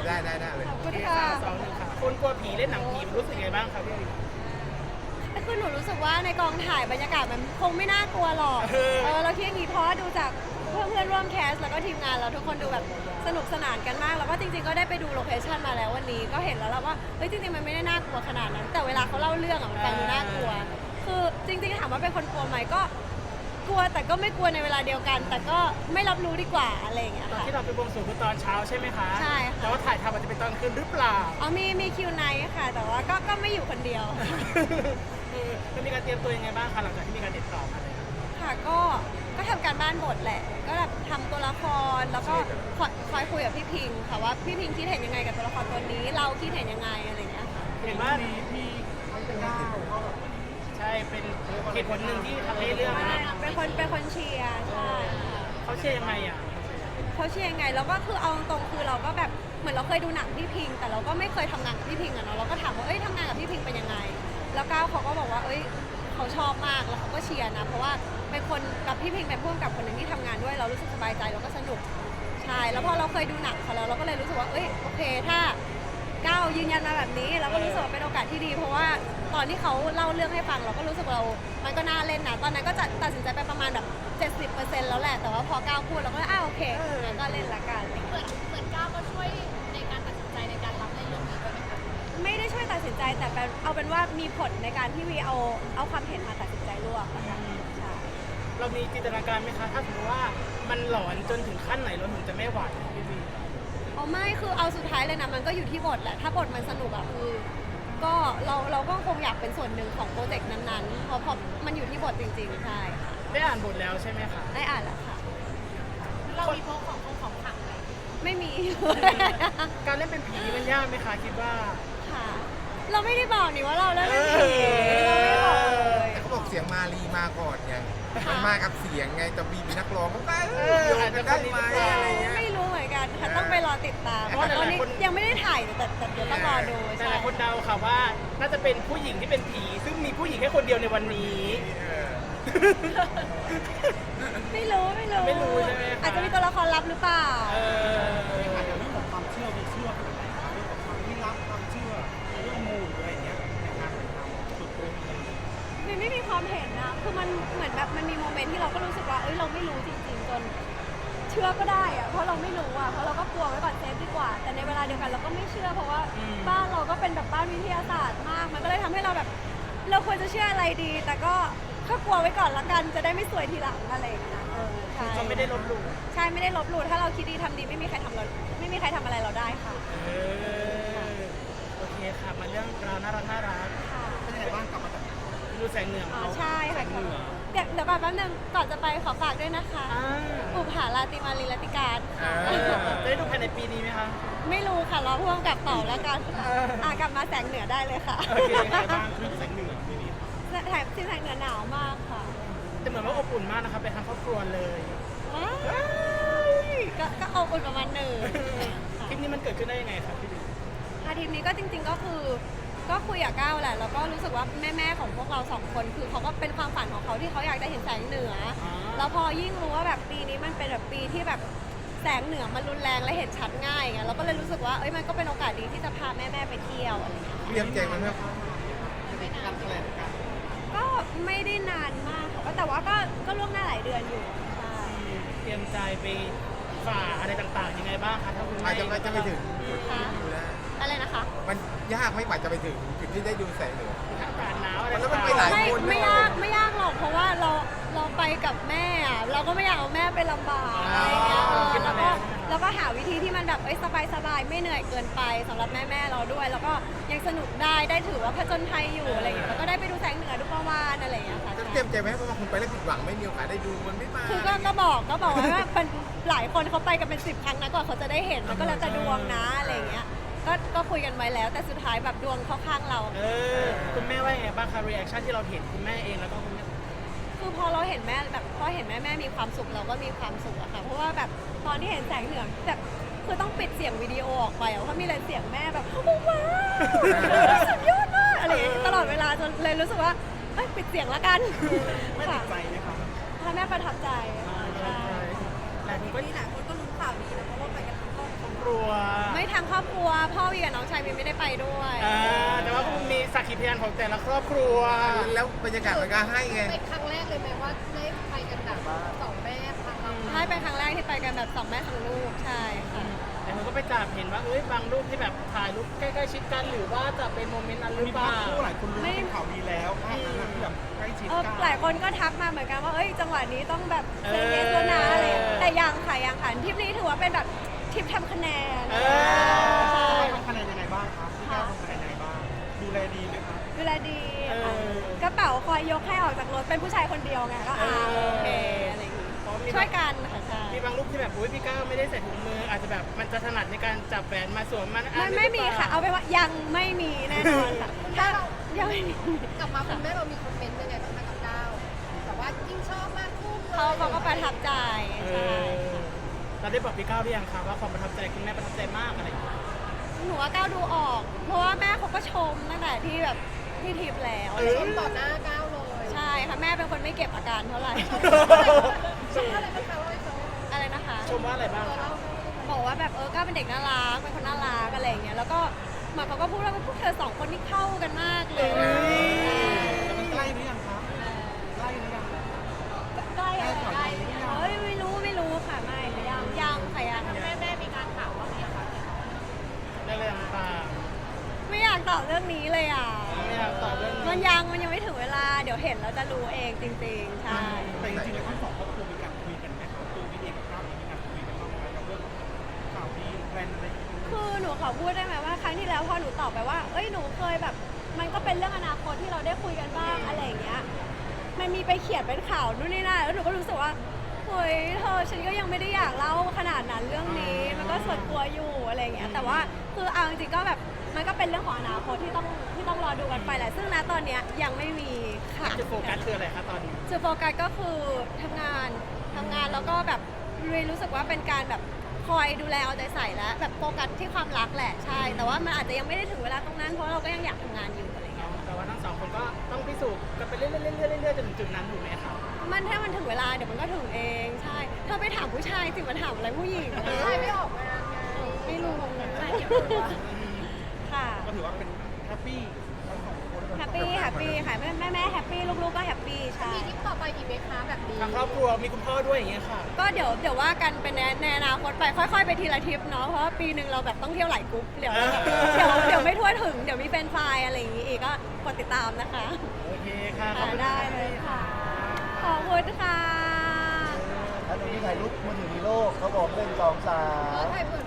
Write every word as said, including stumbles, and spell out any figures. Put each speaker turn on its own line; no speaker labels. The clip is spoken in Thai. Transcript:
ได้ได้ได้เลย
ขอบคุณ
โอเค
ค่ะ
ค่ะสองหนึ่งค่ะคนกลัวผีเล่นหนังผีรู้สึกไงบ้างครับพี่
คือหนูรู้สึกว่าในกองถ่ายบรรยากาศมันคงไม่น่ากลัวหรอก
เออ
เออเราคิดอย่างนี้เพราะว่าดูจากเพื่อนเพื่อนๆร่วมแคสแล้วก็ทีมงานเราทุกคนดูแบบสนุกสนานกันมากแล้วก็จริงๆก็ได้ไปดูโลเคชั่นมาแล้ววันนี้ก็เห็นแล้วแหละว่าเฮ้ยจริงๆมันไม่ได้น่ากลัวขนาดนั้น แต่เวลาเขาเล่าเรื่องอะมันฟังดูน่ากลัว คือจริงๆถามว่าเป็นคนกลัวไหมก็กลัวแต่ก็ไม่กลัวในเวลาเดียวกัน แต่ก็ไม่รับรู้ดีกว่าอะไรอย่างเงี้ย
ตอน
ค่ะ
ที่เราไปบวงสรวงคือตอนเช้าใช่ไหมคะ
ใช่ค่ะ
แต่ว่าถ่ายทำอาจจะเป็นตอนคืนหรือเปล่า
อ๋อมีมีคิวไนท์ค่ะ แต่ว่าก็ก็ไม่อยู่คนเดียว
เออมันมีการเตรียมตัวยังไงบ้างคะหลังจากที่มีการติดต่อมาเลย
ค่ะก็ก็ทำการบ้านบทแหละ ก็แบบทำตัวละครแล้วก็คอยคอยคุยกับพี่พิงค์ค่ะว่าพี่พิงค์คิดเห็นยังไงกับตัวละครตัวนี้ เราคิดเห็นยังไงอะไรอย่างเงี้ยค่ะ
เห็นว่าพี่ใช่เป็นเหตุผลหนึ่งที่ทำให้เรื่องนี้
เป็นคนเป็นคนเชียร์ใช่
เขาเชื่อยังไงอ่ะ
เขาเชียร์ยังไงแล้วก็คือเอาตรงๆคือเราก็แบบเหมือนเราเคยดูหนังพี่พิงค์แต่เราก็ไม่เคยทำงานกับพี่พิงค์อะเนาะเราก็ถามว่าเอ้ยทำงานกับพี่พิงค์เป็นยังไง แล้วก้าวเขาก็บอกว่าเอ้ยเขาชอบมากแล้วเขาก็เชียร์นะเพราะว่าเป็นคนกับพี่พิงค์เป็นผู้กำกับคนหนึ่งที่ทำงานด้วยเรารู้สึกสบายใจแล้วก็สนุกใช่แล้วพอเราเคยดูหนังเขาแล้วเราก็เลยรู้สึกว่าเอ้ยโอเคถ้าก้าวยืนยันมาแบบนี้เราก็รู้สึกว่าเป็นโอกาสที่ดี เพราะว่าตอนที่เขาเล่าเรื่องให้ฟังเราก็รู้สึกว่าเรา มันก็น่าเล่นนะตอนนั้นก็จะตัดสินใจไปประมาณแบบ เจ็ดสิบเปอร์เซ็นต์ แล้วแหละแต่ว่าพอก้าวพูดเราก็อ้าวโอเคงั้นก็เล่นละกัน
เหมือนเหมือนก้าวก็ช่วยในการตัดสินใจในการรับในเรื่องนี้ด้วยไหมคะ
ไม่ได้ช่วยตัดสินใจแต่เป็นเอาเป็นว่ามีผลในการที่วีเอาเอาความเห็นมาตัดสินใจร่วมนะคะใช่
เรามีจินตนาการไหมคะถ้าสมมติว่ามันหลอนจนถึงขั้นไหนเราถึงจะไม่ไหวพี่บี
เอาไม่คือเอาสุดท้ายเลยนะมันก็อยู่ที่บทแหละถ้าบทมันสนุกอะคือก็เราเราก็คงอยากเป็นส่วนหนึ่งของโปรเจกต์นั้นๆเพราะเพราะมันอยู่ที่บทจริงๆใช่ค่ะ
ได้อ่านบทแล้วใช่ไหมคะ
ได้อ่านแล้วค่ะ
เรามีพกของคงของขลังไหม
ไม่มี
การเล่นเป็นผีมันยากไหมคะคิดว่า
ค่ะ เราไม่ได้บอกนี่ว่าเราเล่นเป็นผีเราไม่ได้บอกเลย
แต่เขาบอกเสียงมาลีมาก่อนไงมันมากับเสียงไงแต่บีมีนักร้องก็ได้
เออ
โยงกันได้ไหมอะไรเงี้ย
ไม่รู้เหมือนกันค่ะต้องไปรอติดตาม
เพราะว่า
ตอนนี้
หลายๆคน
ยังไม่ได้ถ่ายแต่แต่เดี๋ยวต้องรอดู
ห
ใช่
ลายๆคนเดาค่ะว่าน่าจะเป็นผู้หญิงที่เป็นผี ซึ่งมีผู้หญิงแค่คนเดียวในวันนี้
เออ
ไม่รู้ไม่รู้
ไม่รู้ใช่ไหมคะ
อาจจะมีตัวละครลับหรือเปล่า
เออ
อาจจะเรื่องของความเชื่อมีเชื่อขนาดไหนคะเรื่องของความลี้ลับความเชื่อเรื่องมูอะไรอย่างเงี้ยในการถ่ายทำจุดโค้งอะไรอย่างเงี้ย
มันไม่มีความเห็นนะคือมันเหมือนแบบมันมีโมเมนต์ที่เราก็รู้สึกว่าเอ้ยเราไม่รู้จริงๆจนเชื่อก็ได้อะเพราะเราไม่รู้อะเพราะเราก็กลัวไว้ก่อนเซฟดีกว่า แต่ในเวลาเดียวกันเราก็ไม่เชื่อเพราะว่าบ้านเราก็เป็นแบบบ้านวิทยาศาสตร์มาก มันก็เลยทำให้เราแบบ เราควรจะเชื่ออะไรดี แต่ก็ก็กลัวไว้ก่อนละกันจะได้ไม่สวยทีหลังอะไรอย่างเงี้ยเออใช่
ก็ไม่ได้ลบหลู่
ใช่ไม่ได้ลบหลู่ถ้าเราคิดดีทำดีไม่มีใครทำเราไม่มีใครทำอะไรเราได้ค่ะ
เออโอเคค่ะมาเรื่องราวน่ารักน่ารัก
ค่ะ
เป็นยังไงบ้างกลับมาจาก
ดูแสงเหนือ
อ๋อ
เขา
ใช่ค่ะเดี๋ยวเดี๋ยวก่อนแป๊บนึงก่อนจะไปขอฝากด้วยนะคะ
อ่า
อุปหาราติมาลีลติการ
อ่า
จะได้ดูภายในปีนี้ไหมคะ
ไม่รู้ค่ะรอพ่วงกับเป่าแล้วกัน
เอออ่
อ่ะกลับมาแสงเหนือได้เลยค่ะ
โอเคยังไงบ้าง
เรื่องแสงเหนือที่นี่
แถมที่แสงเหนือหนาวมากค่ะ
แต่เหมือนว่าอบอุ่นมากนะคะไปทางครอบครัวเลย
ว้ายก็ก็อบอุ่นประมาณหนึ่ง
คลิปนี้มันเกิดขึ้นได้ยังไงครับพี่ดิ
อาทีมนี้ก็จริง ๆก็คือก็คุยกับก้าวแหละแล้วก็รู้สึกว่าแม่ๆของพวกเราสองคนคือเขาก็เป็นความฝันของเขาที่เขาอยากได้เห็นแสงเหนืออแล้วพอยิ่งรู้ว่าแบบปีนี้มันเป็นแบบปีที่แบบแสงเหนือมันรุนแรงและเห็นชัดง่ายไงเราก็เลยรู้สึกว่าเอ้ยมันก็เป็นโอกาสดีที่จะพาแม่ๆไปเที่ยวอะไรอย่างเงี้ย
เตรียมใจมันไหม
การแถลงการ
ก็ไม่ได้นานมากค่ะแต่ว่าก็ก็ล่วงหน้าหลายเดือนอยู่ใช่
เตรียมใจไปฝ่าอะไรต่างๆยังไงบ้างคะถ้าคุณ
อา
แม่
จจะไม่จะไปถึงจุดที่ดูนะ
อะไรนะคะ
มันยากไหม่กว่าจะไปถึงจุดที่ได้ดูแสงเหนือ
อากาศหนาวอะไร
มันต้อง
ต่าง
ไปหลาย
ไม่
คน
ไม่ยากไม่ยากหรอกเพราะว่าเราเราไปกับแม่อะเราก็ไม่อยากเอาแม่ไปลำบากอะไรอย่างเงี้ยเออแล้วก็แล้วก็หาวิธีที่มันแบบเอ้ยสบายสบายๆไม่เหนื่อยเกินไปสำหรับแม่แม่ๆเราด้วย แล้วก็ยังสนุกได้ได้ถือว่าผจญภัยอยู่อะไรอย่างเงี้ยแล้วก็ได้ไปดูแสงเหนือดูประวานอะไรอย่างเงี้ยค่ะ
จะ
ใช่
เตรียมใจไหมเพราะว่าคุณไปแล้วผิดหวังไม่มีโอกาสได้ดูมันไม่มา
คือก็ก็บอกก็บอกว่ามันหลายคนเขาไปกันเป็นสิบครั้งนะกว่าเขาจะได้เห็นมันก็แล้วแต่ดวงนะอะไรอย่างเงี้ยก็ก็คุยกันไว้แล้วแต่สุดท้ายแบบดวงเข้าข้างเรา
ๆเออคุณแม่ว่ายังไงบ้างคะรีแอคชั่นที่เราเห็นคุณแม่เองแล้วก็คุณแม่
คือพอเราเห็นแม่แบบพอเห็นแม่แม่มีความสุขเราก็มีความสุขอะค่ะเพราะว่าแบบตอนที่เห็นแสงเหนือแบบคือต้องปิดเสียงวิดีโอออกไปอะเพราะมีแต่เสียงแม่แบบโอ้ว้าวสุดยอดมากอะไรอย่างเงี้ยตลอดเวลาจนเลยรู้สึกว่าเอ้ยปิดเสียงละกัน
ไม่ติดใจไหมครับ
ถ้าแม่ประทับใจค่ะใช่
หลายคนก็
นี่หลายคนก็รู้ข่าวดีนะเพราะว่าไปกันทั้งครอบครัว
กลัว
ไม่ทางครอบครัวพ่อวีกับน้องชายวีไม่ได้ไปด้วย
อ่าแต่ว่ามีสักขีพยานของแต่ละครอบครัว
แล้วบรรยากาศมันก็ให้ไง
เป็นครั้งแรกเลยไหมว่าได้ไปกันแบบสองแม่พังเรา
ใช่เป็นครั้งแรกที่ไปกันแบบสองแม่สองลูกใช่ค่ะ
แต่ผมก็ไปจับเห็นว่าเอ้ยบางรูปที่แบบถ่ายรูปใกล้ๆชิดกันหรือว่าจะเป็นโมเมนต์นั้นหรือ
มี
เป
ภา
ล่า
พคู่หลายคนรู้ว่าเป็นข่าวดีแล้วภาพนั้นนะที่แบบใกล้ชิด
เออ
กัน
หลายคนก็ทักมาเหมือนกันว่าเอ้ยจังหวะนี้ต้องแบบเซอร์เนสแล้วนะอะไรอย่างเงี้ยแต่ยังค่ะยังค่ะทริปนี้ถือว่าเป็นแบบทริปทำคะแนน
เอ
ใช่
ทำคะแนนยังไงบ้างครับพี่ก้าวทำคะแนนยังไงบ้างดูแลดีไหมครับ
ดูแลดีค่ะกระเป๋าคอยยกให้ออกจากรถเป็นผู้ชายคนเดียวไงก็อ่าโอเคอะไรอย่างงี้
เพราะมี
ช่วยกันค่ะใช่
มีบางรูปที่แบบอุ้ยพี่ก้าวไม่ได้ใส่ถุงมือ อาจจะแบบมันจะถนัดในการจับแหวนมาสวมมัน
ไม่ไม่มีค่ะ เอาไปนว่ายังไม่มีแน่นอนค่ะถ้ายังไม่มี
กลับมาคุณแม่เรามีคอมเมนต์ยังไงบ้างคะกับก้าวแต่ว่ายิ่งชอบมากคู่เลย
เขาเขาก็ประทับใจ
เอ
ใช่
อเราได้บอกพี่ก้าวหรือยังคะว่าความประทับใจคุณแม่ประทับใจมากอะไรอย่างเงี้ย
หนูว่าก้าวดูออก เพราะว่าแม่เขาก็ชมตั้งแต่ที่แบบที่ทริปแล้ว
เออ
ชมต่อหน้าก้าวเลย
ใช่ค่ะแม่เป็นคนไม่เก็บอาการเท่าไหร่
ชมอะไรบ้างคะว่าให้เขา
อะไรนะคะ
ชมว่าอะไรบ้าง
ตัว
คะ
เล่า
บอกว่าแบบเออก้าวเป็นเด็กน่ารักเป็นคนน่ารักอะไรอย่างเงี้ยแล้วก็เหมือนเขาก็พูดว่าพวกเธอสองคนนี่เข้ากันมากเลย
เอ้ย
แต่มันใกล้หรือยังครับใกล้หรือยัง
ใกล้อะไร
ใกล้หรือยัง
เอ้ยไม่รู้ไม่รู้ค่ะไม่ยังยังค่ะยัง
แม่แม่มีการถามว่ามีอะไร
ได้เลยต่าง
ไม่อยากตอบเรื่องนี้เลยอ่ะ
ๆไม่อยากตอบเรื่อง
มัน
นี้
ยังมันยังไม่ถึงเวลาเดี๋ยวเห็นแล้วจะรู้เองจริงๆใช่
แต่จริงๆแล้วทั้งสองครอบครัวมีการคุยกันไหมครับตัวพี่เองกับก้าวเองมีการคุยกันบ้างไหมกับเรื่องข่าวดีแพลนอะไรอย่างเงี้ย
คือหนูขอพูดได้ไหมว่าครั้งที่แล้วพอหนูตอบไปว่า เอ้ยหนูเคยแบบ มันก็เป็นเรื่องอนาคตที่เราได้คุยกันบ้างอะไรอย่างเงี้ย มันมีไปเขียนเป็นข่าวนู่นนี่นั่นแล้วหนูก็รู้สึกว่าเฮ้ยเธอฉันก็ยังไม่ได้อยากเล่าขนาดนั้นเรื่องนี้ มันก็ส่วนตัวอยู่อะไรอย่างเงี้ย แต่ว่าคือเอาจริงๆก็แบบมันก็เป็นเรื่องของอนาคตที่ต้องที่ต้องรอดูกันไปแหละ ซึ่งณตอนเนี้ยยังไม่มีค่ะ
จุดโฟกัสคืออะไรคะตอนนี้
จุดโฟกัสก็คือทำงานทำงานแล้วก็แบบรู้สึกว่าเป็นการแบบคอยดูแลเอาใจใส่แล้วแบบโฟกัสที่ความรักแหละใช่ แต่ว่ามันอาจจะยังไม่ได้ถึงเวลาตรงนั้นเพราะเราก็ยังอยากทำงานอยู่อะไรเงี้ย
แต่ว่าทั้งสองคนก็ต้องพิสูจน์กันไปเรื่อยๆเรื่อยๆเรื่อยๆจนถึงจุดนั้นถูกไหมคะ
มันถ้ามันถึงเวลาเดี๋ยวมันก็ถึงเองใช่เธอไปถามผู้ชายสิมาถามอะไรผู้หญิง
ใช่ไม่ออกงานไง
ไม่รู้
ใช่เก็บตัว
ค่ะ
ก็ถือว่าเป็นแฮปปี้ทั้งสองคน
แฮปปี้แฮปปี้ค่ะแม่แม่แม่แฮปปี้ลูกๆก็แฮปปี้ใช่
มีทริปต่อไปอีกไหมคะแบบนี้
ทางครอบครัวมีคุณพ่อด้วยอย่างเงี้ยค่ะ
ก็เดี๋ยวเดี๋ยวว่ากันเป็นในในอนาคตไปค่อยๆไปทีละทริปเนาะเพราะว่าปีหนึ่งเราแบบต้องเที่ยวหลายกรุ๊ปเดี๋ยวเดี๋ยวเดี๋ยวไม่ทั่วถึงเดี๋ยวมีแฟนไฟล์อะไรอย่างงี้อีกก็กดติดตามนะคะ
โอเคค่ะขอบ
ค่ะ
คุณ
ได้เลยค่ะ ขอบคุณค่ะ
แล้วตรงนี้ถ่ายรูปมือถือมีโลกเขาบอกหนึ่งสองสา
เออ
ม
ถ่ายเผื่อ